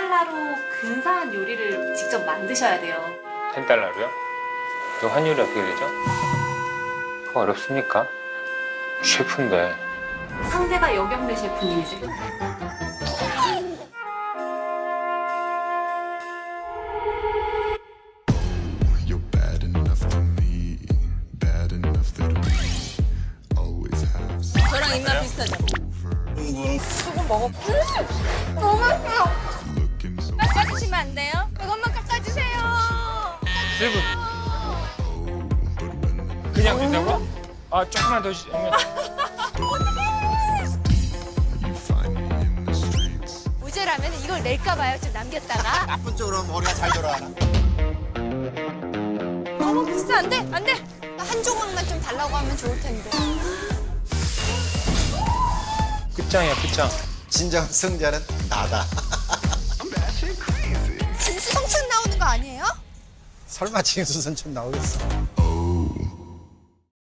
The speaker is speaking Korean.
10달러로 근사한 요리를 직접 만드셔야 돼요. 10달러로요? 그 환율이 어떻게 되죠? 그거 어렵습니까? 셰프인데. 상대가 여경래 셰프님이세요. You're bad enough to me, bad enough that we always have some 저랑 입맛 비슷하죠? 조금 먹어볼게. looking so 깎아주시면 안 돼요? 이것만 깎아주세요. 셰프, but when 그냥 된다고? 아, 조금만 더 you find me in the streets, 모자라면 이걸 낼까 봐요. 좀 남겼다가. 나쁜 쪽으로 머리가 잘 돌아가나? 너무 비슷해. 안 돼. 안 돼. 한 조각만 좀 달라고 하면 좋을 텐데. 끝장이야, 끝장. 진정 승자는 나다. 진수성찬 나오는 거 아니에요? 설마 진수선천 나오겠어? oh